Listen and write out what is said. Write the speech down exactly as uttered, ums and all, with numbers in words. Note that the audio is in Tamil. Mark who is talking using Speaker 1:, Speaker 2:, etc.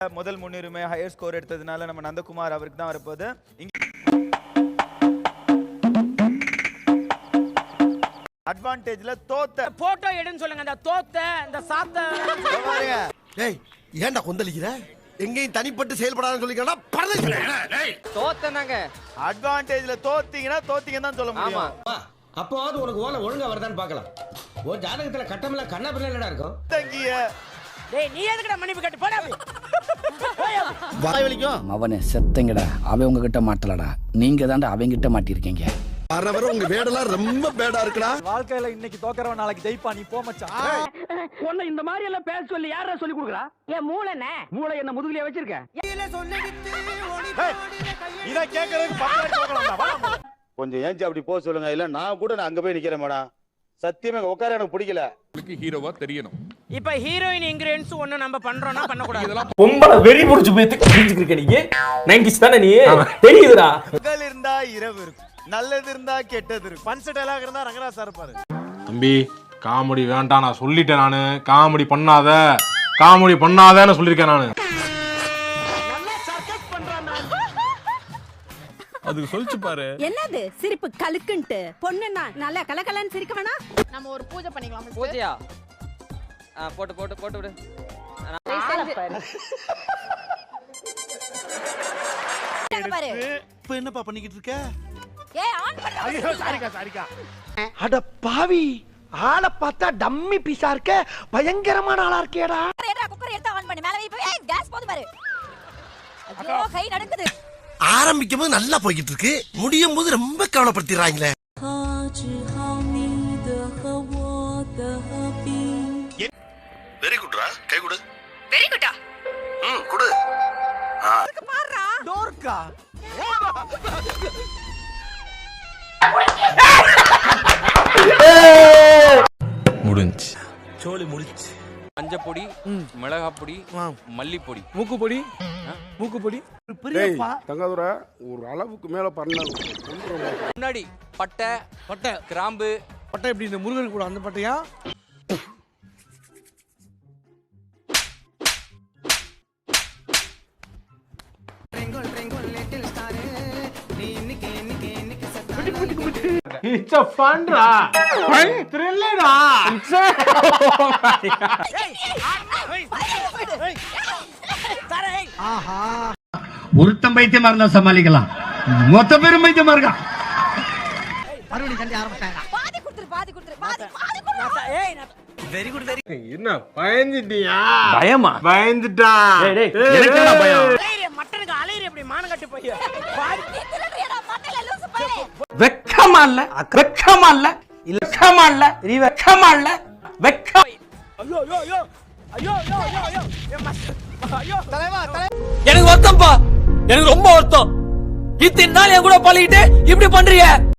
Speaker 1: முதல் முன்னுரிமை ஹையர் ஸ்கோர் எடுத்ததுனால நம்ம நந்தகுமார் அவருக்கு தான் வரப்போகுது. அட்வான்டேஜ்ல தோத்த
Speaker 2: போட்டோ எடுன்னு சொல்லுங்க. அந்த தோத்த இந்த சாத்த
Speaker 1: பாருங்க.
Speaker 3: டேய் ஏன்டா கொந்தளிக்கிற? எங்கேயும் தனிப்பட்டு செயல்படாதுன்னு சொல்லிக்கிறா பரதேசி.
Speaker 4: தோத்தனாங்க
Speaker 1: அட்வான்டேஜ்ல தோத்தீங்கன்னா தோத்தீங்கன்னு தான் சொல்ல முடியும்.
Speaker 4: ஆமா. அப்போது உனக்கு ஓலை ஒழுங்கா வருதான்னு பார்க்கலாம். ஓ ஜாதகத்துல கட்டமெல்லாம் கண்ணா பிள்ளை இருக்கும்.
Speaker 1: தங்கிய
Speaker 2: டேய் நீ எதுக்குடா மன்னிப்பு கேட்டு போடா.
Speaker 3: வாய் வலிக்கும்.
Speaker 5: அவனே செத்தங்கடா. அவன் உங்ககிட்ட மாட்டலடா. நீங்க தான்டா அவங்க கிட்ட மாட்டிருக்கீங்க.
Speaker 3: வர வர உங்க வேடெல்லாம் ரொம்ப பேடா இருக்குடா.
Speaker 6: வாழ்க்கையில இன்னைக்கு தோக்கறவன் நாளைக்கு ஜெயிப்பா. நீ போ மச்சான்.
Speaker 2: உன்னை இந்த மாதிரி எல்லாம் பேச சொல்லி யாரா சொல்லி கொடுக்குறா? என் மூளைனே மூளை என்ன முதுகுலயே வச்சிருக்க.
Speaker 1: இத கேக்குறதுக்கு பத்து போகலாம்டா.
Speaker 7: கொஞ்சம் ஏஞ்சி அப்படி போக சொல்லுங்க. இல்ல நான் கூட நான் அங்க போய் நிக்கிறேன் மேடம். சத்தியமா உட்கார எனக்கு பிடிக்கல.
Speaker 8: ஹீரோவா தெரியணும்.
Speaker 2: இப்ப ஹீரோயின் இன்கிரிடியன்ட்ஸ் ஒண்ணு நம்ம பண்றோம்னா பண்ண கூடாது.
Speaker 9: பொம்பளை வெறி புடிச்சு போய் கிழிஞ்சிட்டு நீங்க நைன்டிஸ் தானே நீ தெரியுதுடா.
Speaker 1: பகல் இருந்தா இரவு இருக்கும், நல்லது இருந்தா கெட்டது இருக்கும். பன்ச டயலாக் இருந்தா ரங்கராஜ் சார் இருப்பாரு.
Speaker 8: தம்பி காமெடி வேண்டாம் நான் சொல்லிட்டேன். நானு காமெடி பண்ணாத காமெடி பண்ணாதன்னு சொல்லிருக்கேன் நானு. அதுக்கு சொல்லிச்சு பாரு.
Speaker 10: என்னது சிரிப்பு கலுக்குன்ட்டு பொண்ணுன்னா நல்லா கலகலன்னு சிரிக்க வேணா.
Speaker 11: நம்ம ஒரு பூஜை பண்ணிக்கலாம்.
Speaker 4: பூஜையா? ஆ போட்டு போட்டு போட்டு விடு.
Speaker 3: இப்ப என்னப்பா பண்ணிக்கிட்டு இருக்க?
Speaker 10: ஏய் ஆன் பண்ணு.
Speaker 1: ஐயோ சாரிக்கா சாரிக்கா.
Speaker 6: அட பாவி, ஆளை பார்த்தா டம்மி பீஸா இருக்க. பயங்கரமான ஆளா இருக்கேடா.
Speaker 10: ஏடா குக்கர் எடுத்து ஆன் பண்ணு. மேல வை. போய் ஏய் கேஸ் போடு பாரு. ஐயோ கை நடுக்குது.
Speaker 3: ஆரம்பிக்கும் போது நல்லா போய்கிட்டு இருக்கு, முடியும் போது ரொம்ப கவலைப்படுத்திடுறாங்களே. வெரி குட்ரா. கை கொடு.
Speaker 10: வெரி குட்டா.
Speaker 3: ம் கொடு.
Speaker 10: அதுக்கு பாறா.
Speaker 6: டோர்க்கா.
Speaker 8: முடிஞ்சு.
Speaker 3: சோலி முடிச்சு.
Speaker 4: மஞ்சப்பொடி, மிளகாப்பொடி, மல்லிப்பொடி,
Speaker 6: மூக்குப்பொடி. மூக்குப்பொடி.
Speaker 8: தங்காதுரை ஒரு அளவுக்கு மேல பண்ண
Speaker 4: முன்னாடி பட்டை பட்டை கிராம்பு.
Speaker 6: பட்டை எப்படி இந்த முருகன் கூட அந்த பட்டையா?
Speaker 8: It's a fun டா. Fun thrill டா.
Speaker 6: ஆஹா.
Speaker 9: ஒருத்தம் பைத்தியமா இருந்தா சமாளிக்கலாம். மொத்த பேரும் பைத்தியமா இருக்கா.
Speaker 6: மறுபடியும் சண்டை ஆரம்பிச்சாங்க.
Speaker 10: பாதி குடுத்துரு பாதி குடுத்துரு பாதி பாதி குடுத்துரு.
Speaker 2: ஏய்
Speaker 6: வெரி குட் வெரி.
Speaker 8: என்ன பயந்துட்டியா?
Speaker 9: பயமா?
Speaker 8: பயந்துட்டா.
Speaker 9: டேய் டேய் எனக்கு என்ன பயம்?
Speaker 2: அலையற மட்டனுக்கு அலையற எப்படி மானம் கட்டி போய்.
Speaker 10: நீ திருடுறியடா மண்டையில லூசு பாரு.
Speaker 9: வெக்கமா இல்ல? வெக்கமா இல்ல? வெக்கமா இல்ல? நீ வெக்கமா இல்ல? வெக்க.
Speaker 2: ஐயோ ஐயோ ஐயோ ஐயோ ஐயோ ஐயோ ஐயோ தலைவா தலை.
Speaker 9: எனக்கு வருத்தம்ப்பா. எனக்கு ரொம்ப வருத்தம். இத்தனை நாள் என் கூட பழகிட்டு இப்படி பண்றீங்க.